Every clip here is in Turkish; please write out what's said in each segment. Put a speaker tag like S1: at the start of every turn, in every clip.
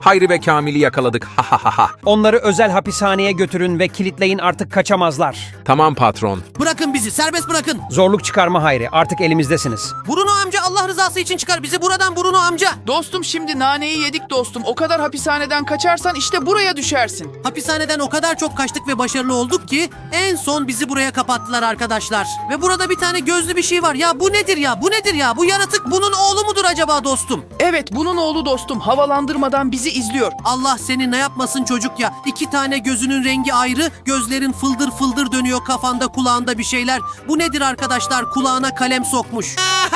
S1: Hayri ve Kamil'i yakaladık. Ha ha ha ha.
S2: Onları özel hapishaneye götürün ve kilitleyin, artık kaçamazlar.
S1: Tamam patron.
S3: Bırakın bizi, serbest bırakın.
S2: Zorluk çıkarma Hayri, artık elimizdesiniz.
S3: Bruno amca, Allah rızası için çıkar bizi buradan Bruno amca.
S4: Dostum şimdi naneyi yedik dostum. O kadar hapishaneden kaçarsan işte buraya düşersin.
S3: Hapishaneden o kadar çok kaçtık ve başarılı olduk ki en son bizi buraya kapattılar arkadaşlar. Ve burada bir tane gözlü bir şey var. Ya bu nedir ya? Bu nedir ya? Bu yaratık bunun oğlu mudur acaba dostum?
S4: Evet bunun oğlu dostum havalandırmadan bizi izliyor.
S3: Allah seni ne yapmasın çocuk ya. 2 tane gözünün rengi ayrı, gözlerin fıldır fıldır dönüyor, kafanda kulağında bir şeyler. Bu nedir arkadaşlar? Kulağına kalem sokmuş.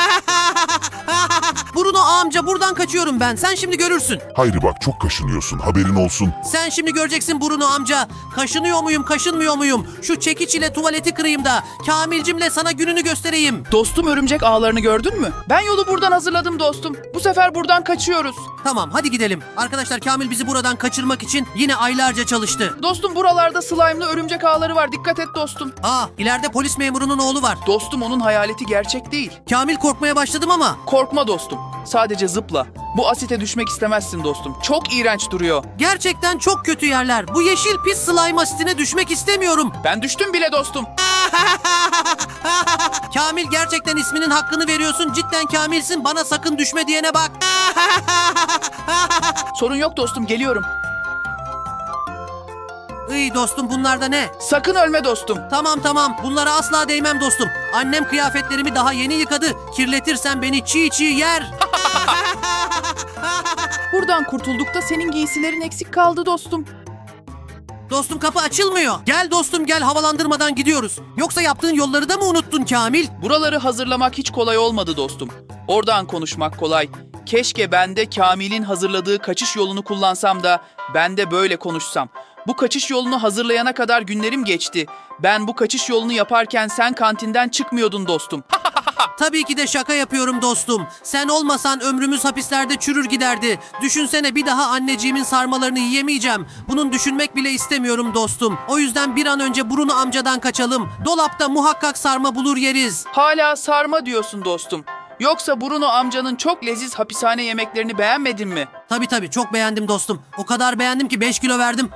S3: Bruno amca, buradan kaçıyorum ben. Sen şimdi görürsün.
S5: Hayri bak çok kaşınıyorsun, haberin olsun.
S3: Sen şimdi göreceksin Bruno amca. Kaşınıyor muyum, kaşınmıyor muyum? Şu çekiç ile tuvaleti kırayım da Kamilcimle sana gününü göstereyim.
S4: Dostum örümcek ağlarını gördün mü? Ben yolu buradan hazırladım dostum. Bu sefer buradan kaçıyoruz.
S3: Tamam, hadi gidelim. Arkadaşlar, Kamil bizi buradan kaçırmak için yine aylarca çalıştı.
S4: Dostum buralarda slime'lı örümcek ağları var. Dikkat et dostum.
S3: İleride polis memurunun oğlu var.
S4: Dostum onun hayaleti gerçek değil.
S3: Kamil, korkmaya başladım ama.
S4: Korkma dostum. Sadece zıpla. Bu asite düşmek istemezsin dostum. Çok iğrenç duruyor.
S3: Gerçekten çok kötü yerler. Bu yeşil pis slime asitine düşmek istemiyorum.
S4: Ben düştüm bile dostum.
S3: Kamil, gerçekten isminin hakkını veriyorsun. Cidden Kamilsin. Bana sakın düşme diyene bak.
S4: Sorun yok dostum geliyorum.
S3: İyi dostum, bunlar da ne?
S4: Sakın ölme dostum.
S3: Tamam. Bunlara asla değmem dostum. Annem kıyafetlerimi daha yeni yıkadı. Kirletirsen beni çiğ çiğ yer.
S4: Buradan kurtulduk da senin giysilerin eksik kaldı dostum.
S3: Dostum, kapı açılmıyor. Gel dostum gel, havalandırmadan gidiyoruz. Yoksa yaptığın yolları da mı unuttun Kamil?
S4: Buraları hazırlamak hiç kolay olmadı dostum. Oradan konuşmak kolay. Keşke ben de Kamil'in hazırladığı kaçış yolunu kullansam da ben de böyle konuşsam. Bu kaçış yolunu hazırlayana kadar günlerim geçti. Ben bu kaçış yolunu yaparken sen kantinden çıkmıyordun dostum.
S3: Tabii ki de şaka yapıyorum dostum. Sen olmasan ömrümüz hapislerde çürür giderdi. Düşünsene, bir daha anneciğimin sarmalarını yiyemeyeceğim. Bunun düşünmek bile istemiyorum dostum. O yüzden bir an önce Bruno amcadan kaçalım. Dolapta muhakkak sarma bulur yeriz.
S4: Hala sarma diyorsun dostum. Yoksa Bruno amcanın çok leziz hapishane yemeklerini beğenmedin mi?
S3: Tabii çok beğendim dostum. O kadar beğendim ki 5 kilo verdim.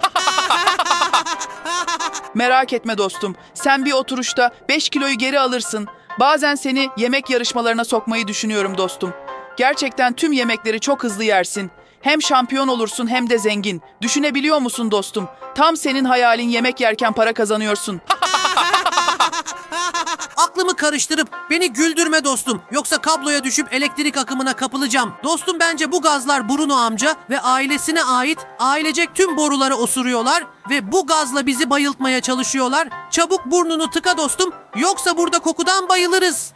S4: Merak etme dostum. Sen bir oturuşta 5 kiloyu geri alırsın. Bazen seni yemek yarışmalarına sokmayı düşünüyorum dostum. Gerçekten tüm yemekleri çok hızlı yersin. Hem şampiyon olursun hem de zengin. Düşünebiliyor musun dostum? Tam senin hayalin, yemek yerken para kazanıyorsun.
S3: Aklımı karıştırıp beni güldürme dostum. Yoksa kabloya düşüp elektrik akımına kapılacağım. Dostum, bence bu gazlar Bruno amca ve ailesine ait, ailecek tüm boruları osuruyorlar ve bu gazla bizi bayıltmaya çalışıyorlar. Çabuk burnunu tıka dostum, yoksa burada kokudan bayılırız.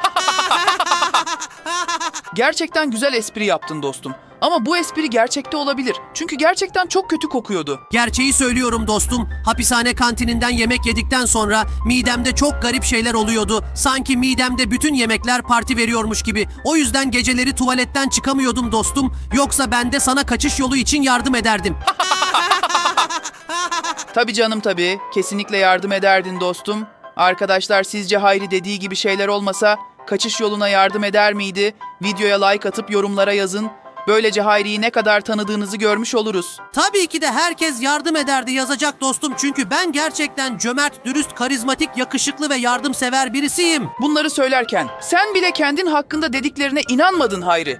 S4: Gerçekten güzel espri yaptın dostum. Ama bu espri gerçekte olabilir. Çünkü gerçekten çok kötü kokuyordu.
S3: Gerçeği söylüyorum dostum. Hapishane kantininden yemek yedikten sonra midemde çok garip şeyler oluyordu. Sanki midemde bütün yemekler parti veriyormuş gibi. O yüzden geceleri tuvaletten çıkamıyordum dostum. Yoksa ben de sana kaçış yolu için yardım ederdim.
S4: Tabii canım tabii. Kesinlikle yardım ederdin dostum. Arkadaşlar, sizce Hayri dediği gibi şeyler olmasa kaçış yoluna yardım eder miydi? Videoya like atıp yorumlara yazın. Böylece Hayri'yi ne kadar tanıdığınızı görmüş oluruz.
S3: Tabii ki de herkes yardım ederdi yazacak dostum. Çünkü ben gerçekten cömert, dürüst, karizmatik, yakışıklı ve yardımsever birisiyim.
S4: Bunları söylerken sen bile kendin hakkında dediklerine inanmadın Hayri.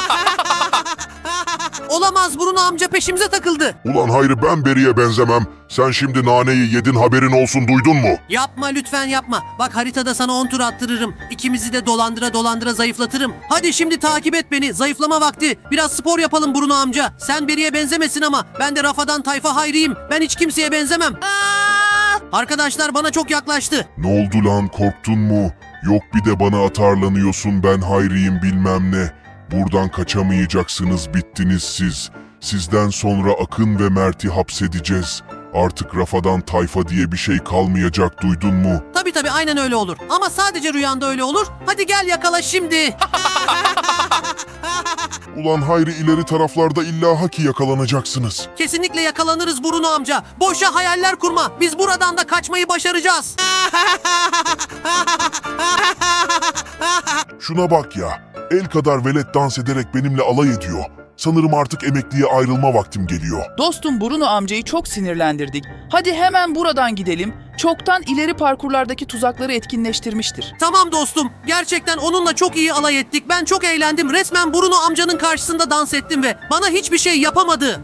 S3: Olamaz, Bruno amca peşimize takıldı.
S5: Ulan Hayri, ben Beri'ye benzemem. Sen şimdi naneyi yedin, haberin olsun, duydun mu?
S3: Yapma lütfen, yapma. Bak, haritada sana 10 tur attırırım. İkimizi de dolandıra zayıflatırım. Hadi şimdi takip et beni. Zayıflama vakti. Biraz spor yapalım Bruno amca. Sen Beri'ye benzemesin ama ben de Rafadan Tayfa Hayri'yim. Ben hiç kimseye benzemem. Arkadaşlar bana çok yaklaştı.
S5: Ne oldu lan, korktun mu? Yok bir de bana atarlanıyorsun, ben Hayri'yim bilmem ne. Buradan kaçamayacaksınız, bittiniz siz. Sizden sonra Akın ve Mert'i hapsedeceğiz. Artık Rafadan Tayfa diye bir şey kalmayacak, duydun mu?
S3: Tabii aynen öyle olur. Ama sadece rüyanda öyle olur. Hadi gel yakala şimdi.
S5: Ulan Hayri, ileri taraflarda illaki yakalanacaksınız.
S3: Kesinlikle yakalanırız Bruno amca. Boşa hayaller kurma. Biz buradan da kaçmayı başaracağız.
S5: Şuna bak ya, el kadar velet dans ederek benimle alay ediyor. Sanırım artık emekliye ayrılma vaktim geliyor.
S4: Dostum Bruno amcayı çok sinirlendirdik. Hadi hemen buradan gidelim. Çoktan ileri parkurlardaki tuzakları etkinleştirmiştir.
S3: Tamam dostum. Gerçekten onunla çok iyi alay ettik. Ben çok eğlendim. Resmen Bruno amcanın karşısında dans ettim ve bana hiçbir şey yapamadı.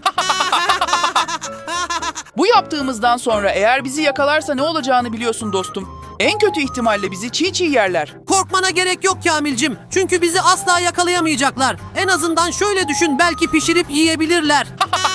S4: Bu yaptığımızdan sonra eğer bizi yakalarsa ne olacağını biliyorsun dostum. En kötü ihtimalle bizi çiğ çiğ yerler.
S3: Korkmana gerek yok Kamilcim. Çünkü bizi asla yakalayamayacaklar. En azından şöyle düşün, belki pişirip yiyebilirler.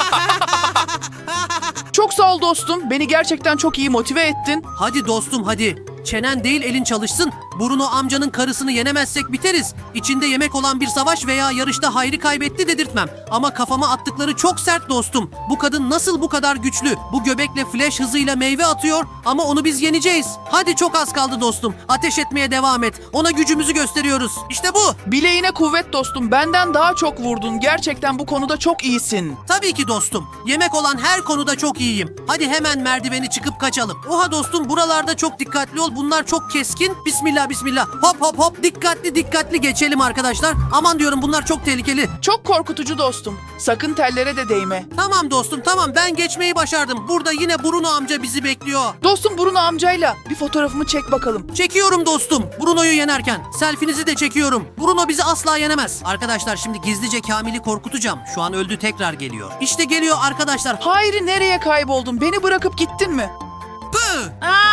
S4: Çok sağ ol dostum. Beni gerçekten çok iyi motive ettin.
S3: Hadi dostum hadi. Çenen değil elin çalışsın. Bruno amcanın karısını yenemezsek biteriz. İçinde yemek olan bir savaş veya yarışta Hayri kaybetti dedirtmem. Ama kafama attıkları çok sert dostum. Bu kadın nasıl bu kadar güçlü? Bu göbekle flash hızıyla meyve atıyor ama onu biz yeneceğiz. Hadi çok az kaldı dostum. Ateş etmeye devam et. Ona gücümüzü gösteriyoruz. İşte bu.
S4: Bileğine kuvvet dostum. Benden daha çok vurdun. Gerçekten bu konuda çok iyisin.
S3: Tabii ki dostum. Yemek olan her konuda çok iyiyim. Hadi hemen merdiveni çıkıp kaçalım. Oha dostum, buralarda çok dikkatli ol. Bunlar çok keskin. Bismillah bismillah. Hop hop hop. Dikkatli dikkatli geçelim arkadaşlar. Aman diyorum, bunlar çok tehlikeli.
S4: Çok korkutucu dostum. Sakın tellere de değme.
S3: Tamam dostum tamam, ben geçmeyi başardım. Burada yine Bruno amca bizi bekliyor.
S4: Dostum Bruno amcayla bir fotoğrafımı çek bakalım.
S3: Çekiyorum dostum. Bruno'yu yenerken. Selfinizi de çekiyorum. Bruno bizi asla yenemez. Arkadaşlar şimdi gizlice Kamil'i korkutacağım. Şu an öldü, tekrar geliyor. İşte geliyor arkadaşlar.
S4: Hayri, nereye kayboldun? Beni bırakıp gittin mi?
S3: Pı!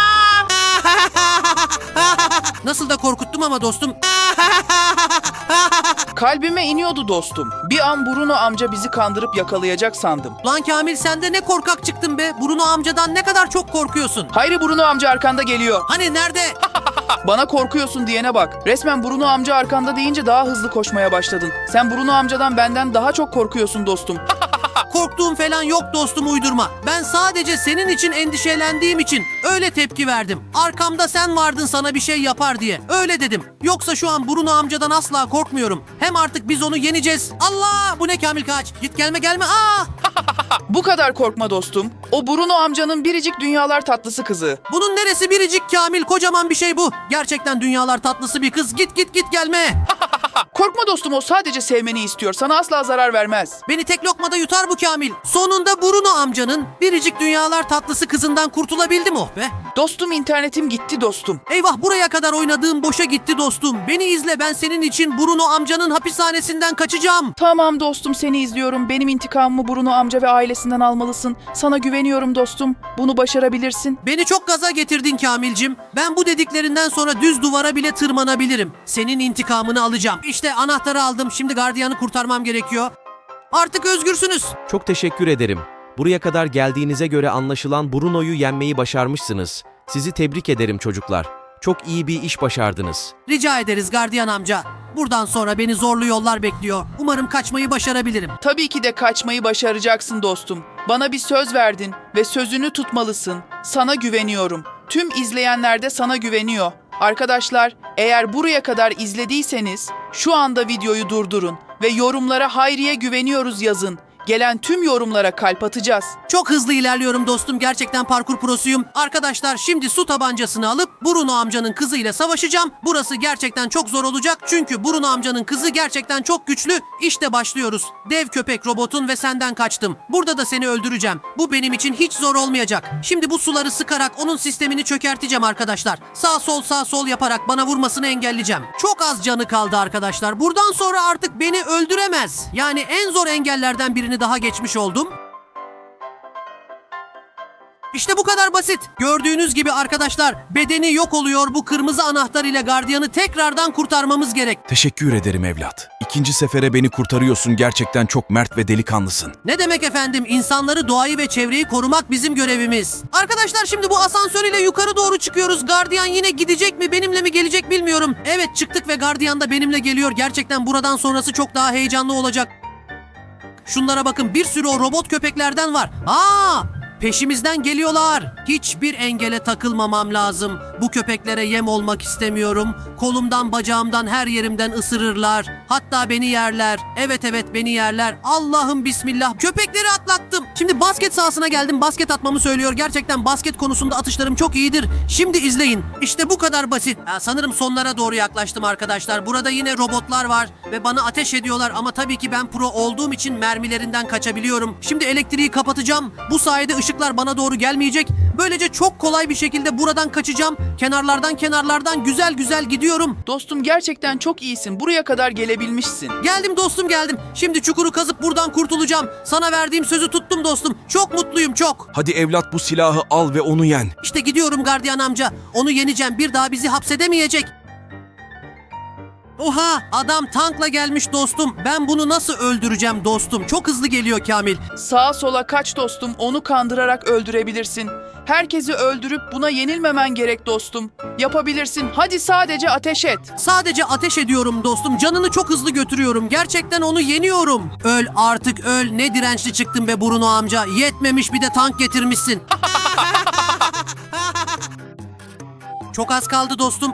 S3: Nasıl da korkuttum ama dostum.
S4: Kalbime iniyordu dostum. Bir an Bruno amca bizi kandırıp yakalayacak sandım.
S3: Lan Kamil, sen de ne korkak çıktın be. Bruno amcadan ne kadar çok korkuyorsun.
S4: Hayri, Bruno amca arkanda geliyor.
S3: Hani nerede?
S4: Bana korkuyorsun diyene bak. Resmen Bruno amca arkanda deyince daha hızlı koşmaya başladın. Sen Bruno amcadan benden daha çok korkuyorsun dostum.
S3: Korktuğum falan yok dostum, uydurma. Ben sadece senin için endişelendiğim için öyle tepki verdim. Arkamda sen vardın sana bir şey yapar diye. Öyle dedim. Yoksa şu an Bruno amcadan asla korkmuyorum. Hem artık biz onu yeneceğiz. Allah! Bu ne Kamil, kaç. Git, gelme gelme. Aa!
S4: Bu kadar korkma dostum. O Bruno amcanın biricik dünyalar tatlısı kızı.
S3: Bunun neresi biricik Kamil? Kocaman bir şey bu. Gerçekten dünyalar tatlısı bir kız. Git git git, gelme.
S4: Korkma dostum, o sadece sevmeni istiyor. Sana asla zarar vermez.
S3: Beni tek lokmada yutar bu Kamil. Sonunda Bruno amcanın biricik dünyalar tatlısı kızından kurtulabildim, oh be.
S4: Dostum, internetim gitti dostum.
S3: Eyvah, buraya kadar oynadığım boşa gitti dostum. Beni izle, ben senin için Bruno amcanın hapishanesinden kaçacağım.
S4: Tamam dostum, seni izliyorum. Benim intikamımı Bruno amca ve ailesinden almalısın. Sana güveniyorum dostum. Bunu başarabilirsin.
S3: Beni çok gaza getirdin Kamilcim. Ben bu dediklerinden sonra düz duvara bile tırmanabilirim. Senin intikamını alacağım. İşte anahtarı aldım. Şimdi gardiyanı kurtarmam gerekiyor. Artık özgürsünüz.
S6: Çok teşekkür ederim. Buraya kadar geldiğinize göre anlaşılan Bruno'yu yenmeyi başarmışsınız. Sizi tebrik ederim çocuklar. Çok iyi bir iş başardınız.
S3: Rica ederiz gardiyan amca. Buradan sonra beni zorlu yollar bekliyor. Umarım kaçmayı başarabilirim.
S4: Tabii ki de kaçmayı başaracaksın dostum. Bana bir söz verdin ve sözünü tutmalısın. Sana güveniyorum. Tüm izleyenler de sana güveniyor. Arkadaşlar, eğer buraya kadar izlediyseniz şu anda videoyu durdurun ve yorumlara Hayri'ye güveniyoruz yazın. Gelen tüm yorumlara kalp atacağız.
S3: Çok hızlı ilerliyorum dostum. Gerçekten parkur prosuyum. Arkadaşlar şimdi su tabancasını alıp Bruno amcanın kızıyla savaşacağım. Burası gerçekten çok zor olacak. Çünkü Bruno amcanın kızı gerçekten çok güçlü. İşte başlıyoruz. Dev köpek robotun ve senden kaçtım. Burada da seni öldüreceğim. Bu benim için hiç zor olmayacak. Şimdi bu suları sıkarak onun sistemini çökerteceğim arkadaşlar. Sağ sol yaparak bana vurmasını engelleyeceğim. Çok az canı kaldı arkadaşlar. Buradan sonra artık beni öldüremez. Yani en zor engellerden birini daha geçmiş oldum. İşte bu kadar basit. Gördüğünüz gibi arkadaşlar, bedeni yok oluyor. Bu kırmızı anahtar ile gardiyanı tekrardan kurtarmamız gerek.
S7: Teşekkür ederim evlat. İkinci sefere beni kurtarıyorsun. Gerçekten çok mert ve delikanlısın.
S3: Ne demek efendim? İnsanları, doğayı ve çevreyi korumak bizim görevimiz. Arkadaşlar şimdi bu asansör ile yukarı doğru çıkıyoruz. Gardiyan yine gidecek mi, benimle mi gelecek bilmiyorum. Evet, çıktık ve gardiyan da benimle geliyor. Gerçekten buradan sonrası çok daha heyecanlı olacak. Şunlara bakın, bir sürü o robot köpeklerden var. Peşimizden geliyorlar. Hiçbir engele takılmamam lazım. Bu köpeklere yem olmak istemiyorum. Kolumdan, bacağımdan, her yerimden ısırırlar. Hatta beni yerler. Evet beni yerler. Allah'ım bismillah. Köpekleri atlattım. Şimdi Şimdi basket sahasına geldim. Basket atmamı söylüyor. Gerçekten basket konusunda atışlarım çok iyidir. Şimdi izleyin. İşte bu kadar basit. Sanırım sonlara doğru yaklaştım arkadaşlar. Burada yine robotlar var ve bana ateş ediyorlar ama tabii ki ben pro olduğum için mermilerinden kaçabiliyorum. Şimdi elektriği kapatacağım. Bu sayede ışıklar bana doğru gelmeyecek. Böylece çok kolay bir şekilde buradan kaçacağım. Kenarlardan güzel güzel gidiyorum.
S4: Dostum gerçekten çok iyisin. Buraya kadar gelebilmişsin.
S3: Geldim dostum, geldim. Şimdi çukuru kazıp buradan kurtulacağım. Sana verdiğim sözü tuttum dostum. Çok mutluyum, çok.
S7: Hadi evlat bu silahı al ve onu yen.
S3: İşte gidiyorum gardiyan amca. Onu yeneceğim. Bir daha bizi hapsedemeyecek. Oha! Adam tankla gelmiş dostum. Ben bunu nasıl öldüreceğim dostum? Çok hızlı geliyor Kamil.
S4: Sağa sola kaç dostum. Onu kandırarak öldürebilirsin. Herkesi öldürüp buna yenilmemen gerek dostum. Yapabilirsin. Hadi sadece ateş et.
S3: Sadece ateş ediyorum dostum. Canını çok hızlı götürüyorum. Gerçekten onu yeniyorum. Öl artık öl. Ne dirençli çıktın be Bruno amca. Yetmemiş bir de tank getirmişsin. Çok az kaldı dostum.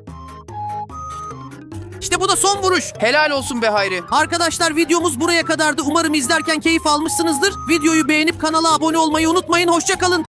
S3: İşte bu da son vuruş.
S4: Helal olsun be Hayri.
S3: Arkadaşlar videomuz buraya kadardı. Umarım izlerken keyif almışsınızdır. Videoyu beğenip kanala abone olmayı unutmayın. Hoşça kalın.